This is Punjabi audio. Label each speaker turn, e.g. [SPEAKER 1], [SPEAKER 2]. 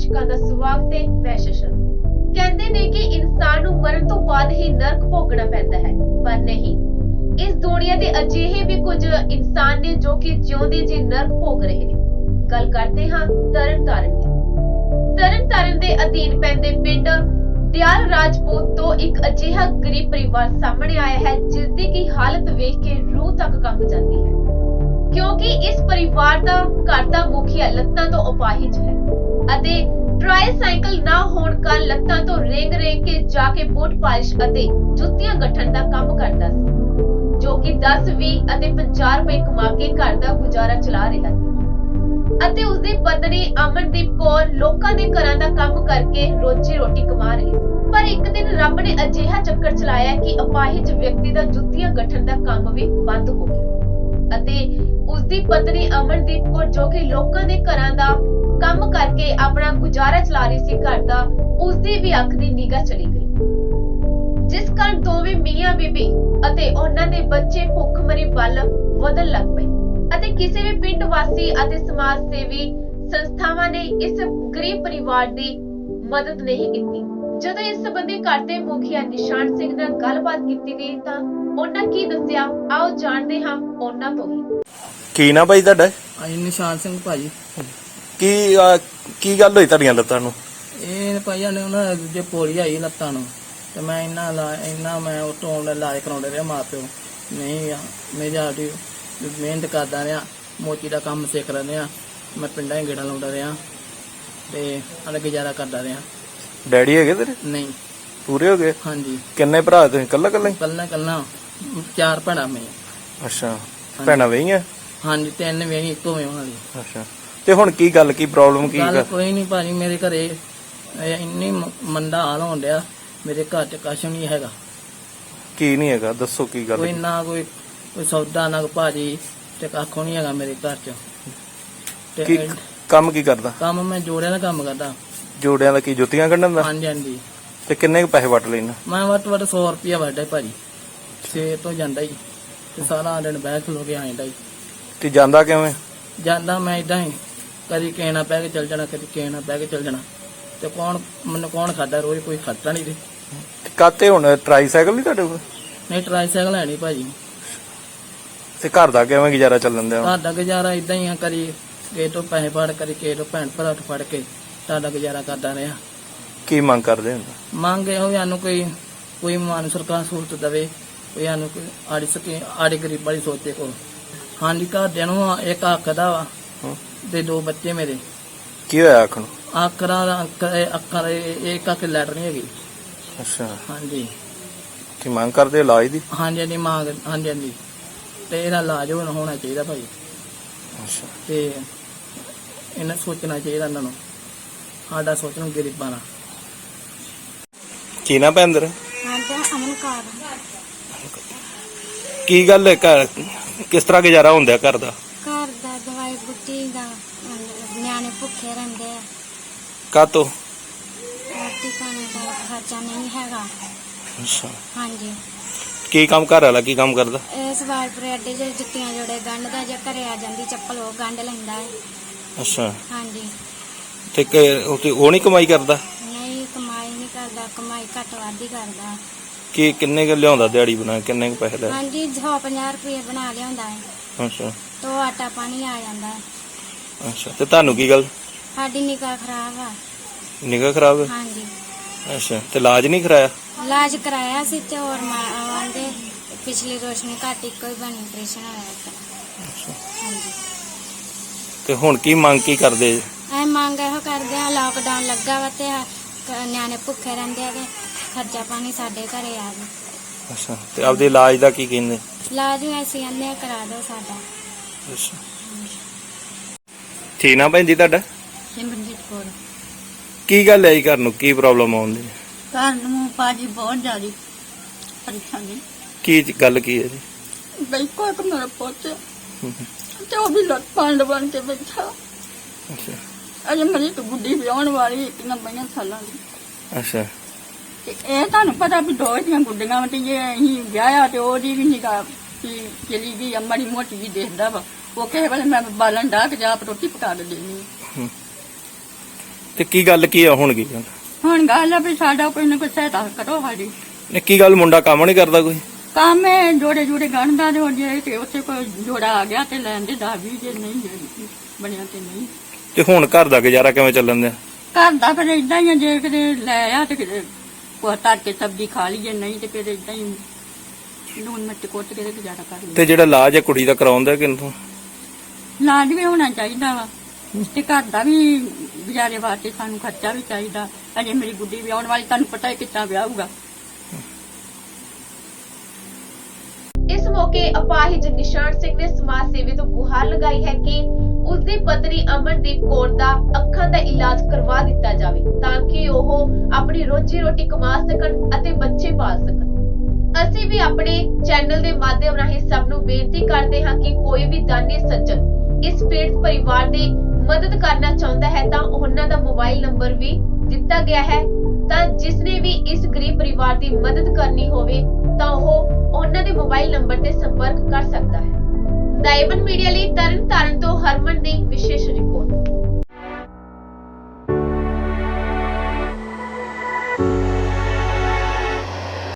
[SPEAKER 1] ਦਰਸ਼ਕਾਂ ਦਾ ਸਵਾਗਤ ਹੈ। ਮੈਂ ਸ਼ਸ਼ਨ। ਕਹਿੰਦੇ ਨੇ ਕਿ ਇਨਸਾਨ ਨੂੰ ਮਰਨ ਤੋਂ ਬਾਅਦ ਹੀ ਨਰਕ ਭੋਗਣਾ ਪੈਂਦਾ ਹੈ, ਪਰ ਨਹੀਂ। ਇਸ ਦੁਨੀਆ ਦੇ ਅਜਿਹੇ ਵੀ ਕੁਝ ਇਨਸਾਨ ਨੇ ਜੋ ਕਿ ਜਿਉਂਦੇ ਜੀ ਨਰਕ ਭੋਗ ਰਹੇ ਨੇ। ਗੱਲ ਕਰਦੇ ਹਾਂ ਤਰਨਤਾਰਨ ਦੀ। ਤਰਨਤਾਰਨ ਦੇ ਅਧੀਨ ਪੈਂਦੇ ਪਿੰਡ ਦਿਆਲ ਰਾਜਪੂਤ ਤੋਂ ਇੱਕ ਅਜਿਹਾ ਗਰੀਬ ਪਰਿਵਾਰ ਸਾਹਮਣੇ ਆਇਆ ਹੈ ਜਿਸ ਦੀ ਕੀ ਹਾਲਤ ਵੇਖ ਕੇ ਰੂਹ ਤੱਕ ਕੰਬ ਜਾਂਦੀ ਹੈ, ਕਿਉਂਕਿ ਇਸ ਪਰਿਵਾਰ ਦਾ ਘਰ ਦਾ ਮੁਖੀਆ ਲੱਤਾਂ ਤੋਂ ਅਪਾਹਿਜ ਹੈ ਅਤੇ ਟ੍ਰਾਈਸਾਈਕਲ ਨਾ ਹੋਣ ਕਾਰਨ ਲੱਤਾਂ ਤੋਂ ਰੇਂਗ ਕੇ ਜਾ ਕੇ ਬੂਟ ਪਾਲਿਸ਼ ਅਤੇ ਜੁੱਤੀਆਂ ਗੱਠਣ ਦਾ ਕੰਮ ਕਰਦਾ ਸੀ, ਜੋ ਕਿ 10, 20 ਅਤੇ 50 ਰੁਪਏ ਕਮਾ ਕੇ ਘਰ ਦਾ ਗੁਜ਼ਾਰਾ ਚਲਾ ਰਿਹਾ ਸੀ ਅਤੇ ਉਸਦੀ ਪਤਨੀ ਅਮਨਦੀਪ ਕੌਰ ਲੋਕਾਂ ਦੇ ਘਰਾਂ ਦਾ ਕੰਮ ਕਰਕੇ ਰੋਜੀ ਰੋਟੀ ਕਮਾ ਰਹੀ ਸੀ। ਪਰ ਇੱਕ ਦਿਨ ਰੱਬ ਨੇ ਅਜਿਹਾ ਚੱਕਰ ਚਲਾਇਆ ਕਿ ਅਪਾਹਿਜ ਵਿਅਕਤੀ ਦਾ ਜੁੱਤੀਆਂ ਗੱਠਣ ਦਾ ਕੰਮ ਵੀ ਬੰਦ ਹੋ ਗਿਆ ਅਤੇ ਉਸਦੀ ਪਤਨੀ ਅਮਨਦੀਪ ਕੌਰ ਜੋ ਕਿ ਲੋਕਾਂ ਦੇ ਘਰਾਂ ਦਾ ਕੰਮ ਕਰਕੇ ਆਪਣਾ ਗੁਜ਼ਾਰਾ ਚਲਾ ਰਹੀ ਸੀ ਘਰ ਦਾ, ਉਸਦੀ ਵੀ ਅੱਖ ਦੀ ਨਿਗਾਹ ਚਲੀ ਗਈ, ਜਿਸ ਕਾਰਨ ਦੋਵੇਂ ਮੀਆਂ ਬੀਬੀ ਅਤੇ ਉਹਨਾਂ ਦੇ ਬੱਚੇ ਭੁੱਖਮਰੀ ਵੱਲ ਵਧਣ ਲੱਗ ਪਏ ਅਤੇ ਕਿਸੇ ਵੀ ਪਿੰਡ ਵਾਸੀ ਅਤੇ ਸਮਾਜ ਸੇਵੀ ਸੰਸਥਾਵਾਂ ਨੇ ਇਸ ਗਰੀਬ ਪਰਿਵਾਰ ਦੀ ਮਦਦ ਨਹੀਂ ਕੀਤੀ। ਜਦੋਂ ਇਸ ਸੰਬੰਧੀ ਘਰ ਦੇ ਮੁਖੀਆ ਨਿਸ਼ਾਨ ਸਿੰਘ ਨਾਲ ਗੱਲਬਾਤ ਕੀਤੀ ਗਈ ਤਾਂ ਉਹਨਾਂ ਕੀ ਦੱਸਿਆ, ਆਓ ਜਾਣਦੇ ਹਾਂ ਉਹਨਾਂ ਤੋਂ ਹੀ।
[SPEAKER 2] ਕੀ ਨਾ ਭਾਈ ਤੁਹਾਡਾ?
[SPEAKER 3] ਨਿਸ਼ਾਨ ਸਿੰਘ ਭਾਜੀ।
[SPEAKER 2] ਕੀ ਗੱਲ ਹੋਈ ਤੁਹਾਡੀਆਂ ਲੱਤਾਂ ਨੂੰ?
[SPEAKER 3] ਇਹ ਭਾਈਆਂ ਨੇ ਉਹਨਾਂ ਦੂਜੇ ਪੋਲੀ ਆਈ ਲੱਤਾਂ ਨੂੰ ਤੇ ਮੈਂ ਇੰਨਾ ਮੈਂ ਉਤੋਂ ਇਲਾਜ ਕਰਾਉਂਦੇ ਰਿਹਾ, ਮਾਂ ਪਿਓ ਨਹੀਂ ਮੇਰੀ ਆਡੀ ਮਿਹਨਤ ਕਰਦਾ ਰਿਹਾ, ਮੋਚੀ ਦਾ ਕੰਮ ਸਿੱਖ ਰਿਹਾ, ਮੈਂ ਪਿੰਡਾਂ 'ਚ ਗੇੜਾ ਲਾਉਂਦਾ ਰਿਹਾ ਤੇ ਅਲ ਗੁਜ਼ਾਰਾ ਕਰਦਾ ਰਿਹਾ।
[SPEAKER 2] ਡੈਡੀ ਹੈਗੇ ਤੇਰੇ?
[SPEAKER 3] ਨਹੀਂ।
[SPEAKER 2] ਪੂਰੇ ਹੋ ਗਏ?
[SPEAKER 3] ਹਾਂਜੀ।
[SPEAKER 2] ਕਿੰਨੇ ਭਰਾ ਤੁਸੀਂ? ਕੱਲਾ ਹੀ?
[SPEAKER 3] ਕੱਲਾ 4 ਭੈਣਾਂ ਮੈਂ।
[SPEAKER 2] ਅੱਛਾ, ਭੈਣਾਂ ਵਹੀਆਂ?
[SPEAKER 3] ਹਾਂਜੀ, 3 ਵਹੀਆਂ, ਇੱਕੋ ਵੇ ਉਹਨਾਂ ਦੀ।
[SPEAKER 2] ਅੱਛਾ, ਤੇ ਹੁਣ ਕੀ ਗੱਲ, ਕੀ ਪ੍ਰੋਬਲਮ ਕੀ?
[SPEAKER 3] ਗੱਲ ਕੋਈ ਨਹੀਂ ਭਾਜੀ, ਮੇਰੇ ਘਰੇ ਇੰਨੀ ਮੰਦਾ ਹਾਲ ਹੋਣ ਡਿਆ, ਮੇਰੇ ਘਰ 'ਚ ਕੁਛ ਨਹੀਂ ਹੈਗਾ।
[SPEAKER 2] ਕੀ ਨਹੀਂ ਹੈਗਾ, ਦੱਸੋ ਕੀ ਗੱਲ?
[SPEAKER 3] ਕੋਈ ਨਾ ਕੋਈ ਸੌਦਾ ਨਾ ਭਾਜੀ ਤੇ ਕੱਖੋਂ ਨਹੀਂ ਹੈਗਾ ਮੇਰੇ ਘਰ 'ਚ।
[SPEAKER 2] ਕੀ ਕੰਮ ਕੀ ਕਰਦਾ?
[SPEAKER 3] ਕੰਮ ਮੈਂ ਜੋੜਿਆਂ ਦਾ ਕੰਮ ਕਰਦਾ।
[SPEAKER 2] ਜੋੜਿਆਂ ਦਾ ਕੀ, ਜੁੱਤੀਆਂ ਕੱਢਣ ਦਾ?
[SPEAKER 3] ਹਾਂਜੀ ਹਾਂਜੀ।
[SPEAKER 2] ਤੇ ਕਿੰਨੇ ਕੁ ਪੈਸੇ ਵੱਟ ਲੈਣਾ?
[SPEAKER 3] ਮੈਂ ਵੱਟ 100 ਰੁਪਇਆ ਵੱਢਦਾ ਭਾਜੀ, ਸਵੇਰ ਤੋਂ ਜਾਂਦਾ ਹੀ ਤੇ ਸਾਰਾ ਦਿਨ ਬਹਿ ਖਲੋ ਕੇ ਆਇਂਦਾ ਹੀ।
[SPEAKER 2] ਤੇ ਜਾਂਦਾ ਕਿਵੇਂ?
[SPEAKER 3] ਜਾਂਦਾ ਮੈਂ ਇਦਾਂ ਹੀ, ਕਦੀ ਕਿਸੇ ਨਾਲ ਬਹਿ ਕੇ ਚੱਲ ਜਾਣਾ, ਕਦੀ ਕਿਸੇ ਨਾਲ ਬਹਿ ਕੇ ਚੱਲ ਜਾਣਾ ਤੇ ਮੈਨੂੰ ਕੌਣ ਖਾਦਾ, ਰੋਜ਼ ਕੋਈ ਖਰਚਾ ਨਹੀਂ ਦੇ।
[SPEAKER 2] ਕਾਤੇ ਹੁਣ ਟ੍ਰਾਈਸਾਈਕਲ ਨਹੀਂ ਤੁਹਾਡੇ ਕੋਲ?
[SPEAKER 3] ਨਹੀਂ, ਟ੍ਰਾਈਸਾਈਕਲ ਹੈ ਨਹੀਂ ਭਾਜੀ।
[SPEAKER 2] ਤੇ ਘਰ ਦਾ ਕਿਵੇਂ ਗੁਜ਼ਾਰਾ ਚੱਲਣ ਦਿਆ?
[SPEAKER 3] ਘਰ ਦਾ ਗੁਜ਼ਾਰਾ ਇਦਾਂ ਹੀ ਆ, ਕਦੀ ਕਿਸੇ ਤੋਂ ਪੈਸੇ ਫੜ, ਕਦੀ ਕਿਸੇ ਤੋਂ ਭੈਣ ਭਰਾ ਤੋਂ ਫੜ ਕੇ ਤੁਹਾਡਾ ਗੁਜ਼ਾਰਾ ਕਰਦਾ ਰਿਹਾ।
[SPEAKER 2] ਕੀ ਮੰਗ ਕਰਦੇ ਹੁੰਦਾ?
[SPEAKER 3] ਮੰਗ ਇਹੋ ਸਾਨੂੰ ਕੋਈ ਮਾਨ ਸਰਕਾਰ ਸਹੂਲਤ ਦੇਵੇ, ਕੋਈ ਸਾਨੂੰ ਕੋਈ ਆੜੀ ਗਰੀਬ ਵਾਲੀ ਸੋਚੇ ਕੋਲ। ਹਾਂਜੀ, ਘਰਦਿਆਂ ਨੂੰ ਇੱਕ ਅੱਖ ਦਾ ਵਾ ਤੇ 2 ਬੱਚੇ ਮੇਰੇ।
[SPEAKER 2] ਕੀ ਹੋਇਆ ਅੱਖ ਨੂੰ?
[SPEAKER 3] ਅੱਖਾਂ ਦੇ ਇੱਕ ਅੱਖ ਲੈਟਰ ਨਹੀਂ ਹੈਗੀ।
[SPEAKER 2] ਅੱਛਾ।
[SPEAKER 3] ਹਾਂਜੀ।
[SPEAKER 2] ਕੀ ਮੰਗ ਕਰਦੇ ਇਲਾਜ ਦੀ?
[SPEAKER 3] ਹਾਂਜੀ ਹਾਂਜੀ ਮੰਗ, ਹਾਂਜੀ ਹਾਂਜੀ, ਤੇ ਇਹਦਾ ਇਲਾਜ ਹੋਣਾ ਚਾਹੀਦਾ ਭਾਈ।
[SPEAKER 2] ਅੱਛਾ।
[SPEAKER 3] ਤੇ ਇਹਨਾਂ ਸੋਚਣਾ ਚਾਹੀਦਾ, ਇਹਨਾਂ ਨੂੰ ਸਾਡਾ ਸੋਚਣਾ ਗਰੀਬਾਂ ਦਾ।
[SPEAKER 2] ਕੀ ਨਾ ਪੈਂਦਰ?
[SPEAKER 4] ਅਮਨ ਕੌਰ।
[SPEAKER 2] ਕੀ ਗੱਲ ਹੈ, ਘਰ ਕਿਸ ਤਰ੍ਹਾਂ ਗੁਜ਼ਾਰਾ ਹੁੰਦਾ ਘਰ ਦਾ?
[SPEAKER 4] ਘਰ ਦਾ ਦਵਾਈ ਬੁੱਟੀ ਦਾ, ਨਿਆਣੇ ਭੁੱਖੇ ਰਹਿੰਦੇ ਆ,
[SPEAKER 2] ਕਾਤੋਂ?
[SPEAKER 4] ਰੋਟੀ ਪਾਣੀ ਦਾ ਖਰਚਾ ਨਹੀਂ ਹੈਗਾ।
[SPEAKER 2] ਅੱਛਾ।
[SPEAKER 4] ਹਾਂਜੀ।
[SPEAKER 2] ਕੀ ਕੰਮ ਘਰ ਵਾਲਾ ਕੀ ਕੰਮ ਕਰਦਾ?
[SPEAKER 4] ਇਸ ਵਾਰ ਪਰੇਡੇ ਜੇ ਜੁੱਤੀਆਂ ਜੋੜੇ ਗੰਢਦਾ, ਜੇ ਘਰੇ ਆ ਜਾਂਦੀ ਚੱਪਲ ਉਹ ਗੰਢ ਲੈਂਦਾ ਹੈ।
[SPEAKER 2] ਅੱਛਾ।
[SPEAKER 4] ਹਾਂਜੀ।
[SPEAKER 2] ਤੇ ਉਹ ਨਹੀਂ ਕਮਾਈ ਕਰਦਾ?
[SPEAKER 4] ਨਹੀਂ, ਕਮਾਈ ਨਹੀਂ ਕਰਦਾ, ਕਮਾਈ ਘੱਟ ਵੱਧ ਹੀ ਕਰਦਾ।
[SPEAKER 2] ਕੀ ਕਿੰਨੇ ਕੁ ਲਿਆਉਂਦਾ ਦਿਹਾੜੀ ਬਣਾ, ਕਿੰਨੇ ਕੁ ਪੈਸੇ ਲੈ?
[SPEAKER 4] ਹਾਂਜੀ, 150 ਰੁਪਏ ਬਣਾ ਲਿਆਉਂਦਾ ਹੈ।
[SPEAKER 2] ਅੱਛਾ।
[SPEAKER 4] ਤੋ ਆਟਾ ਪਾਣੀ ਆ ਜਾਂਦਾ ਹੈ।
[SPEAKER 2] ਅੱਛਾ, ਤੇ ਤੁਹਾਨੂੰ ਕੀ ਗੱਲ?
[SPEAKER 4] ਸਾਡੀ ਨਿਗਾਹ ਖਰਾਬ ਆ।
[SPEAKER 2] ਨਿਗਾਹ ਖਰਾਬ ਹੈ?
[SPEAKER 4] ਹਾਂਜੀ।
[SPEAKER 2] ਅੱਛਾ, ਤੇ ਇਲਾਜ ਨਹੀਂ ਕਰਾਇਆ?
[SPEAKER 4] ਇਲਾਜ ਕਰਾਇਆ ਸੀ ਤੇ ਹੋਰ ਆਂਦੇ ਪਿਛਲੀ ਰੋਸ਼ਨੀ ਘੱਟ, ਇੱਕੋ ਹੀ ਬਣੀ, ਆਪਰੇਸ਼ਨ ਹੋਇਆ ਇੱਕ। ਹਾਂਜੀ।
[SPEAKER 2] ਤੇ ਹੁਣ ਕੀ ਮੰਗ ਕੀ ਕਰਦੇ?
[SPEAKER 4] ਐ ਮੰਗ ਇਹੋ ਕਰਦੇ ਆ, ਲਾਕਡਾਊਨ ਲੱਗਾ ਵਾ ਤੇ ਨਿਆਣੇ ਭੁੱਖੇ ਰਹਿੰਦੇ ਆ ਤੇ ਖਰਚਾ ਪਾਣੀ ਸਾਡੇ ਘਰੇ ਆ ਜੀ।
[SPEAKER 2] ਅੱਛਾ, ਤੇ ਆਪਦੇ ਇਲਾਜ ਦਾ ਕੀ ਕਹਿੰਦੇ?
[SPEAKER 4] ਇਲਾਜ ਵੀ ਅਸੀਂ ਕਹਿੰਦੇ ਆ ਕਰਾ ਦਿਓ ਸਾਡਾ।
[SPEAKER 2] ਅੱਛਾ, ਠੀਕ ਨਾ ਭੈਣ ਜੀ ਤੁਹਾਡਾ?
[SPEAKER 5] ਸਿਮਰਨਜੀਤ ਕੌਰ।
[SPEAKER 2] ਕੀ ਗੱਲ ਹੈ ਜੀ, ਘਰ ਨੂੰ ਕੀ ਪ੍ਰੋਬਲਮ ਆਉਂਦੀ?
[SPEAKER 5] ਘਰ ਨੂੰ ਭਾਜੀ ਬਹੁਤ ਜ਼ਿਆਦਾ ਪਰੇਸ਼ਾਨੀ।
[SPEAKER 2] ਕੀ ਗੱਲ ਕੀ ਹੈ ਜੀ?
[SPEAKER 5] ਬਿਲਕੁਲ ਇੱਕ ਮੇਰਾ ਪੁੱਤ ਤੇ ਉਹ ਵੀ ਲੱਤ ਪੰਡ ਬਣ ਕੇ ਬੈਠਾ।
[SPEAKER 2] ਅੱਛਾ।
[SPEAKER 5] ਅਜੇ ਮੇਰੀ ਇੱਕ ਗੁੱਡੀ ਵਿਆਹਣ ਵਾਲੀ, ਇੱਕ ਨਾ 22 ਸਾਲਾਂ ਦੀ।
[SPEAKER 2] ਅੱਛਾ।
[SPEAKER 5] ਤੇ ਇਹ ਤੁਹਾਨੂੰ ਪਤਾ ਵੀ 2 ਦੀਆਂ ਗੁੱਡੀਆਂ ਤੇ ਜੇ ਅਸੀਂ ਵਿਆਹਿਆ ਤੇ ਉਹਦੀ ਵੀ ਨਿਗਾਹ ਚਲੀ ਗਈ, ਮਾੜੀ ਮੋਟੀ ਵੀ ਦੇਖਦਾ ਵਾ। ਉਹ ਕਿਸੇ ਵੇਲੇ ਮੈਂ ਬਾਲਣ ਡਾਹ ਕੇ ਜਾ ਰੋਟੀ ਪਕਾ ਕੇ ਦੇਣੀ।
[SPEAKER 2] ਤੇ ਕੀ ਗੱਲ ਕੀ ਆ ਹੁਣ ਕੀ ਗੱਲ?
[SPEAKER 5] ਹੁਣ ਗੱਲ ਆ ਵੀ ਸਾਡਾ ਕੋਈ ਨਾ ਕੋਈ ਸਹਾਇਤਾ ਕਰੋ ਸਾਡੀ।
[SPEAKER 2] ਨੇ ਕੀ ਗੱਲ ਮੁੰਡਾ ਕੰਮ ਨਹੀਂ ਕਰਦਾ ਕੋਈ?
[SPEAKER 5] ਕੰਮ ਹੈ ਜੋੜੇ ਜੋੜੇ ਗੰਢਦਾ ਤੇ ਹੁਣ ਜੇ ਤੇ ਉੱਥੇ ਕੋਈ ਜੋੜਾ ਆ ਗਿਆ ਤੇ ਲੈਣ ਦੇ 10-20, ਜੇ ਨਹੀਂ ਜੇ ਬਣਿਆ ਤੇ ਨਹੀਂ।
[SPEAKER 2] ਤੇ ਹੁਣ ਘਰ ਦਾ ਗੁਜ਼ਾਰਾ ਕਿਵੇਂ ਚੱਲਣ ਦਿਆ?
[SPEAKER 5] ਘਰ ਦਾ ਫਿਰ ਏਦਾਂ ਹੀ ਆ, ਜੇ ਕਿਤੇ ਲੈ ਆ ਤੇ ਕਿਤੇ ਕੋਈ ਧਰ ਕੇ ਸਬਜ਼ੀ ਖਾ ਲਈਏ, ਨਹੀਂ ਤੇ ਫਿਰ ਏਦਾਂ ਹੀ ਲੂਣ ਮਿਰਚ ਕੁੱਟ ਕੇ ਤੇ ਗੁਜ਼ਾਰਾ ਕਰ ਲਈਏ।
[SPEAKER 2] ਤੇ ਜਿਹੜਾ ਇਲਾਜ ਹੈ ਕੁੜੀ ਦਾ ਕਰਾਉਂਦਾ ਕਿੰਥੋਂ?
[SPEAKER 5] ਇਲਾਜ ਵੀ ਹੋਣਾ ਚਾਹੀਦਾ ਵਾ ਤੇ ਘਰ ਦਾ ਵੀ ਗੁਜ਼ਾਰੇ ਵਾਸਤੇ ਸਾਨੂੰ ਖਰਚਾ ਵੀ ਚਾਹੀਦਾ। ਅਜੇ ਮੇਰੀ ਗੁੱਡੀ ਵਿਆਹੁਣ ਵਾਲੀ, ਤੁਹਾਨੂੰ ਪਤਾ ਹੈ ਕਿੱਦਾਂ ਵਿਆਹੂਗਾ।
[SPEAKER 1] ਇਸ ਮੌਕੇ ਅਪਾਹਿਜ ਨਿਸ਼ਾਨ ਸਿੰਘ ਨੇ ਸਮਾਜ ਸੇਵੀ ਤੋਂ ਗੁਹਾਰ ਲਗਾਈ ਹੈ ਕਿ ਉਸਦੀ ਪਤਨੀ ਅਮਨਦੀਪ ਕੌਰ ਦਾ ਅੱਖਾਂ ਦਾ ਇਲਾਜ ਕਰਵਾ ਦਿੱਤਾ ਜਾਵੇ ਤਾਂ ਕਿ ਉਹ ਆਪਣੀ ਰੋਜੀ ਰੋਟੀ ਕਮਾ ਸਕਣ ਅਤੇ ਬੱਚੇ ਪਾਲ ਸਕਣ। ਅਸੀਂ ਵੀ ਆਪਣੇ ਚੈਨਲ ਦੇ ਮਾਧਿਅਮ ਰਾਹੀਂ ਸਭ ਨੂੰ ਬੇਨਤੀ ਕਰਦੇ ਹਾਂ ਕਿ ਕੋਈ ਵੀ ਦਾਨੀ ਸੱਜਣ ਇਸ ਪੀੜਤ ਪਰਿਵਾਰ ਦੀ ਮਦਦ ਕਰਨਾ ਚਾਹੁੰਦਾ ਹੈ ਤਾਂ ਉਹਨਾਂ ਦਾ ਮੋਬਾਈਲ ਨੰਬਰ ਵੀ ਦਿੱਤਾ ਗਿਆ ਹੈ, ਤਾਂ ਜਿਸ ਨੇ ਵੀ ਇਸ ਗਰੀਬ ਪਰਿਵਾਰ ਦੀ ਮਦਦ ਕਰਨੀ ਹੋਵੇ ਤਾਂ ਉਹ ਉਹਨਾਂ ਦੇ ਮੋਬਾਈਲ ਨੰਬਰ ਤੇ ਸੰਪਰਕ ਕਰ ਸਕਦਾ ਹੈ। ਦਾਇਵਨ ਮੀਡੀਆ ਲਈ ਤਰਨਤਾਰਨ ਤੋਂ ਹਰਮਨ ਦੀ ਵਿਸ਼ੇਸ਼ ਰਿਪੋਰਟ।